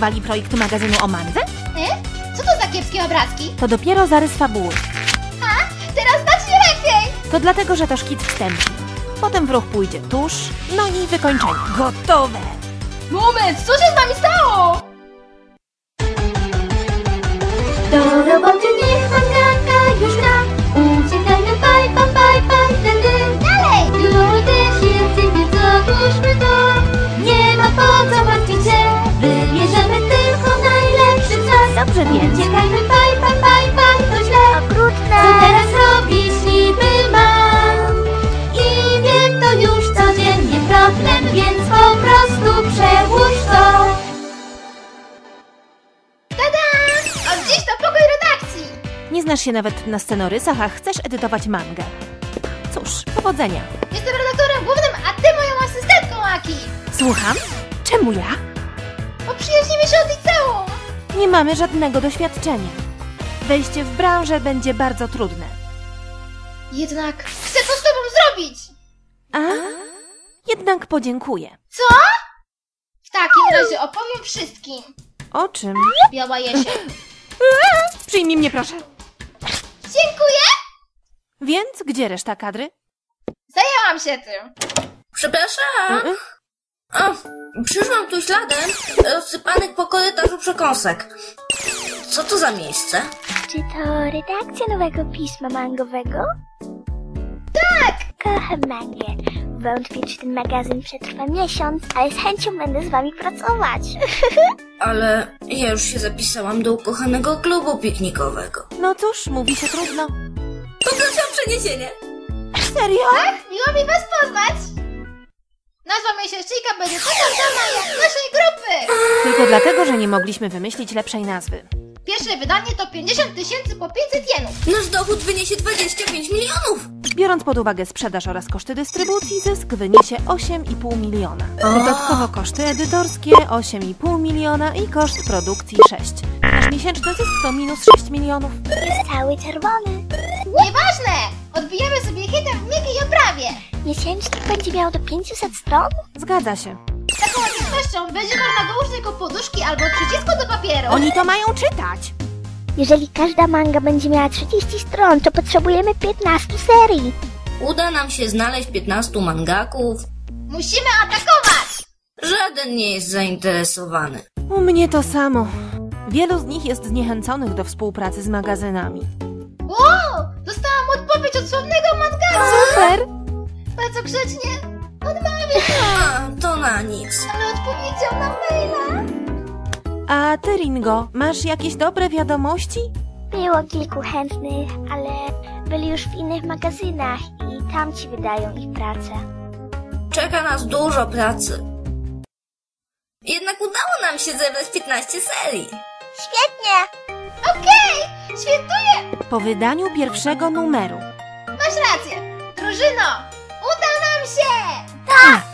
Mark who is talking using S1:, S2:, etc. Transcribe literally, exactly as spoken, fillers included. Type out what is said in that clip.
S1: przygotowali projekt magazynu o mandze?
S2: E? Co to za kiepskie obrazki?
S1: To dopiero zarys fabuły.
S2: A? Teraz znacznie lepiej!
S1: To dlatego, że to szkic wstępny. Potem w ruch pójdzie tusz, no i wykończenie. Gotowe!
S2: Moment, co się z wami stało?
S3: Do roboty niech mangaka już gra. Uciekajmy, baj, baj, baj, baj, wtedy
S2: Dalej!
S3: już też jest, więc odłóżmy to. Nie ma po co martwić się, wybierzemy tylko najlepszy czas.
S1: Dobrze więc.
S3: Uciekajmy, baj, baj, baj, baj, to źle.
S4: Okrutne!
S3: Co teraz robić niby mam? I wiem to już codziennie problem, więc po prostu przełóż to.
S2: Tada! Od dziś to pokój redakcji!
S1: Nie znasz się nawet na scenorysach, a chcesz edytować mangę. Cóż, powodzenia.
S2: Jestem redaktorem głównym, a ty moją asystentką, Aki!
S1: Słucham? Czemu ja?
S2: Poprzyjaźnimy się od liceum!
S1: Nie mamy żadnego doświadczenia. Wejście w branżę będzie bardzo trudne.
S2: Jednak chcę to z tobą zrobić!
S1: A? Jednak podziękuję.
S2: Co? W takim razie opowiem wszystkim.
S1: O czym?
S2: Biała jesień.
S1: Przyjmij mnie, proszę.
S2: Dziękuję!
S1: Więc gdzie reszta kadry?
S2: Zajęłam się tym.
S5: Przepraszam.
S1: Mm-mm.
S5: O, przyszłam tu śladem rozsypanych po korytarzu przekąsek. Co to za miejsce?
S4: Czy to redakcja nowego pisma mangowego?
S2: Tak!
S4: Kocham mangę. Wątpię, czy ten magazyn przetrwa miesiąc, ale z chęcią będę z wami pracować.
S5: Ale ja już się zapisałam do ukochanego klubu piknikowego.
S1: No cóż, mówi się trudno.
S5: Poproszę o przeniesienie.
S1: Serio?
S2: Tak? Miło mi was poznać! Nazwa miesięcznika będzie taka sama jak naszej grupy!
S1: Tylko dlatego, że nie mogliśmy wymyślić lepszej nazwy.
S2: Pierwsze wydanie to pięćdziesiąt tysięcy po pięćset jenów.
S5: Nasz dochód wyniesie dwadzieścia pięć milionów.
S1: Biorąc pod uwagę sprzedaż oraz koszty dystrybucji, zysk wyniesie osiem i pół miliona. Dodatkowo koszty edytorskie osiem i pół miliona i koszt produkcji sześć. Nasz miesięczny zysk to minus sześć milionów.
S4: Jest cały czerwony.
S2: Nieważne! Odbijamy sobie hitem w miękkiej oprawie.
S4: Miesięcznik będzie miał do pięciuset stron?
S1: Zgadza się.
S2: Z taką łatwością będzie można dołożyć tylko poduszki albo przycisku do papieru.
S1: Oni to mają czytać!
S4: Jeżeli każda manga będzie miała trzydzieści stron, to potrzebujemy piętnaście serii.
S5: Uda nam się znaleźć piętnastu mangaków.
S2: Musimy atakować!
S5: Żaden nie jest zainteresowany.
S1: U mnie to samo. Wielu z nich jest zniechęconych do współpracy z magazynami.
S2: Wow! Dostałam odpowiedź od sławnego mangaru!
S1: Super!
S2: Bardzo grzecznie odmawiam,
S5: A, to na nic.
S2: ale odpowiedział na maila.
S1: A ty, Ringo, masz jakieś dobre wiadomości?
S4: Było kilku chętnych, ale byli już w innych magazynach i tam ci wydają ich pracę.
S5: Czeka nas dużo pracy. Jednak udało nam się zebrać piętnaście serii.
S4: Świetnie!
S2: Okej! Świętuję!
S1: Po wydaniu pierwszego numeru.
S2: Masz rację! Drużyno! Uda nam się!
S4: Tak!